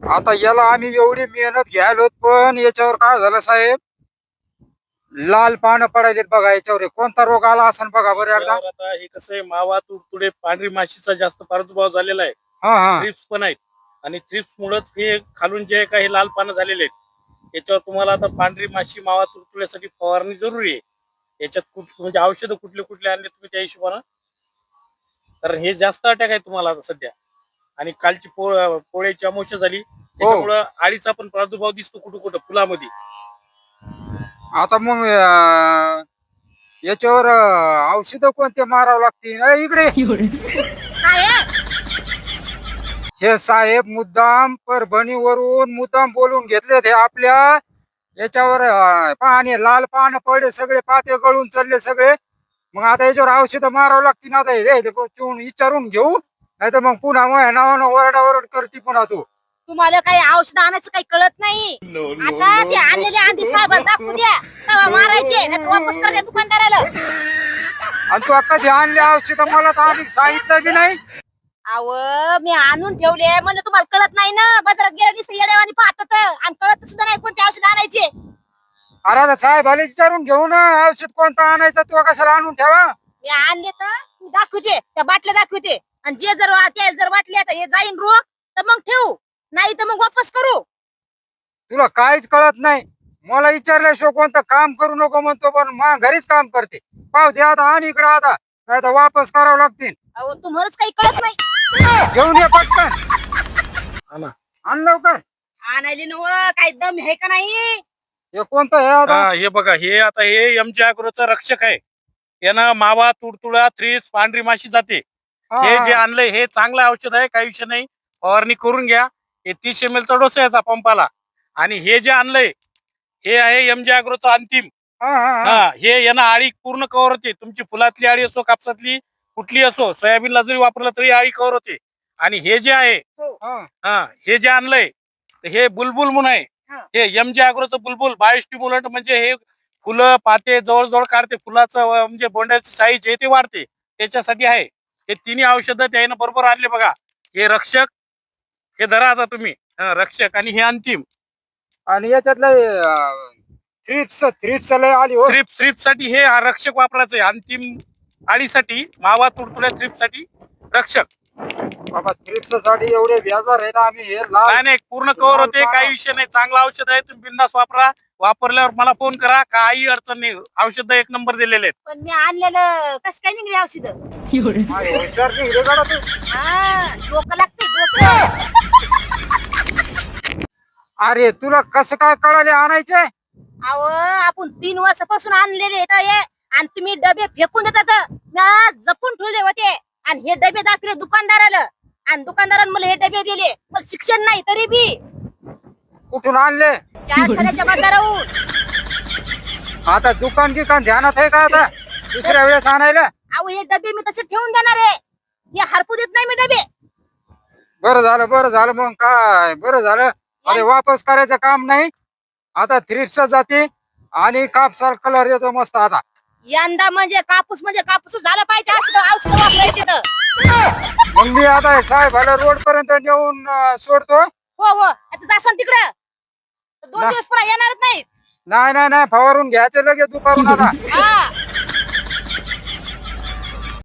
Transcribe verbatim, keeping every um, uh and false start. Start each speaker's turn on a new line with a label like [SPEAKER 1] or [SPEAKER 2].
[SPEAKER 1] आता याला आम्ही एवढी मेहनत घ्यायलो, पण याच्यावर काय झालं साहेब, लाल पानं पडायलेत बघा याच्यावर. हे कोणता रोग आला असेल बघा बरं एकदा.
[SPEAKER 2] यावर आता हे कसं आहे, मावा तुडतुडे पांढरी माशीचा जास्त प्रादुर्भाव झालेला आहे.
[SPEAKER 1] हा हा
[SPEAKER 2] थ्रिप्स पण आहेत आणि थ्रिप्स मुळेच हे खालून जे काही लाल पानं झालेले आहेत, याच्यावर तुम्हाला आता पांढरी माशी मावा तुडतुड्यासाठी फवारणी जरुरी आहे. याच्यात कुठ म्हणजे औषधं कुठले कुठले आणले तुम्ही त्या हिशोबानं, कारण हे जास्त अटॅक आहे तुम्हाला आता सध्या. आणि कालची पोळ पोळ्याची अमावस्या झाली, त्याच्यामुळं आळीचा पण प्रादुर्भाव दिसतो कुठं कुठं फुलामध्ये.
[SPEAKER 1] आता मग अं, याच्यावर औषध कोणते मारावं लागतील? अरे इकडे
[SPEAKER 3] काय आहे?
[SPEAKER 1] हे साहेब मुद्दाम परभणीवरून मुद्दाम बोलून घेतले ते आपल्या याच्यावर. अं, पाणी लाल पान पडले, सगळे पाते गळून चालले सगळे. मग आता याच्यावर औषध मारावं लागतील. आता हे हे कोण विचारून घेऊ, नाही तर मग पुन्हा मग नावानं ओरडाओरड करते पुन्हा तू.
[SPEAKER 3] तुम्हाला काही औषध आणायचं काही कळत नाही. आता ते आणलेले आंधी साहेबाला दाखवू द्या, तेव्हा मारायचे नाही वापस करते दुकानदाराला.
[SPEAKER 1] आणि तू कधी आणले औषध मला तर आधी सांगितलं बी नाही.
[SPEAKER 3] अव मी आणून ठेवले म्हणजे तुम्हाला कळत नाही ना. बाजारात गेल्या दिसत येड्यावानी पाहतात आणि कळत सुद्धा नाही कोणते औषध आणायचे.
[SPEAKER 1] अरे आता साहेबाला विचारून घेऊ ना औषध कोणतं आणायचं, तू कशाला आणून ठेवा.
[SPEAKER 3] मी आणले तर मी दाखवते, त्या बाटल्या दाखवते. आणि जे जर ते जर वाटले आता हे जाईन रोग तर मग ठेवू, नाही तर मग वापस करू.
[SPEAKER 1] तुला काहीच कळत नाही. मला विचारल्याशिवाय कोणतं काम करू नको म्हणतो, पण मा घरीच काम करते. पाव दे आता आणि इकडे आता, नाही तर वापस करावं लागतील.
[SPEAKER 3] अहो तुम्हालाच काही कळत नाही.
[SPEAKER 1] घेऊन ये पटकन,
[SPEAKER 2] आणा.
[SPEAKER 1] आण लवकर.
[SPEAKER 3] आणायले नव काही दम आहे का नाही?
[SPEAKER 1] हे कोणतं हे आता?
[SPEAKER 2] हा हे बघा, हे आता हे एमजी अॅग्रोचं रक्षक आहे. यानं मावा तुडतुडा थ्रिप्स पांढरी माशी जाते.
[SPEAKER 1] हा,
[SPEAKER 2] हे जे
[SPEAKER 1] हा.
[SPEAKER 2] आणलंय हे चांगलं औषध आहे, काही विषय नाही. फवारणी करून घ्या. हे तीस एम एल चा डोस आहे याचा पंपाला. आणि हे जे आणलंय हे आहे एमजी अॅग्रोचं अंतिम.
[SPEAKER 1] हा, हा, हा.
[SPEAKER 2] हा हे यानं आळी पूर्ण कव्हर होते. तुमची फुलातली आळी असो, कापसातली कुठली असो, सोयाबीनला जरी वापरलं तरी आळी कव्हर होते. आणि हे जे आहे
[SPEAKER 1] हा.
[SPEAKER 2] हा हे जे आणलंय हे बुलबुल म्हणून आहे.
[SPEAKER 3] हा.
[SPEAKER 2] हे एमजी अॅग्रोचं बुलबुल बायोस्टिम्युलंट, म्हणजे हे फुलं पाते जवळजवळ काढते. फुलाचं अं, म्हणजे बोंड्याची साईज आहे ते वाढते, त्याच्यासाठी आहे. हे तिन्ही औषधं त्यानं बरोबर आणले बघा. हे रक्षक, हे धरा आता तुम्ही, हं, रक्षक, आणि हे अंतिम.
[SPEAKER 1] आणि याच्यातलं थ्रिप्स थ्रिप्स लय आली हो.
[SPEAKER 2] थ्रिप्स थ्रिप्स साठी हे हा रक्षक वापरायचं आहे. अंतिम आळीसाठी मावा तुडतुड्या थ्रिप्स साठी रक्षक.
[SPEAKER 1] बाबा थ्रिप्स साठी एवढे व्याजार आहे ना. आम्ही हे लाल
[SPEAKER 2] नाही नाही पूर्ण कव्हर होते, काही विषय नाही. चांगलं औषध आहे, तुम्ही बिंदास वापरा. वापरल्यावर मला फोन करा, काही अडचण नाही. औषध एक नंबर दिलेले आहेत.
[SPEAKER 3] पण मी आणलेलं कस काय निघले औषध?
[SPEAKER 1] माय हुशार निघले का तू?
[SPEAKER 3] हा डोकं लागते डोकं.
[SPEAKER 1] अरे तुला कसं काय कळाले आणायचे?
[SPEAKER 3] अहो आपण तीन वर्षापासून आणलेले तर हे, आणि तुम्ही डबे फेकून देतात. म्या जपून ठेवले होते आणि हे डबे दाखवले दुकानदाराला, आणि दुकानदाराने मला हे डबे दिले. मला शिक्षण नाही तरी बी
[SPEAKER 1] कुठून आणले?
[SPEAKER 3] चार खाण्याच्या बाजाराहून.
[SPEAKER 1] आता दुकान गिकान ध्यानात आहे का आता दुसऱ्या वेळेस आणायला?
[SPEAKER 3] अहो हे डबे मी तसे ठेवून देणार आहे, हे हरपू देत नाही मी डबे.
[SPEAKER 1] बरं झालं बरं झालं मग काय बरं झालं. अरे वापस करायचं काम नाही. आता थ्रिप्स जाते आणि कापसार कलर येतो मस्त. आता
[SPEAKER 3] यंदा म्हणजे कापूस म्हणजे कापूस झाला पाहिजे, औषध औषध वापरायचे तर.
[SPEAKER 1] मग मी आता साहेबाला रोड पर्यंत नेऊन अं, सोडतो.
[SPEAKER 3] हो हो आता जासान तिकडं, दोन
[SPEAKER 1] ना.
[SPEAKER 3] दिवस पुन्हा येणारच नाहीत.
[SPEAKER 1] नाही नाही नाही फवारून घ्यायचं लगेच दुपारून आता.
[SPEAKER 3] हा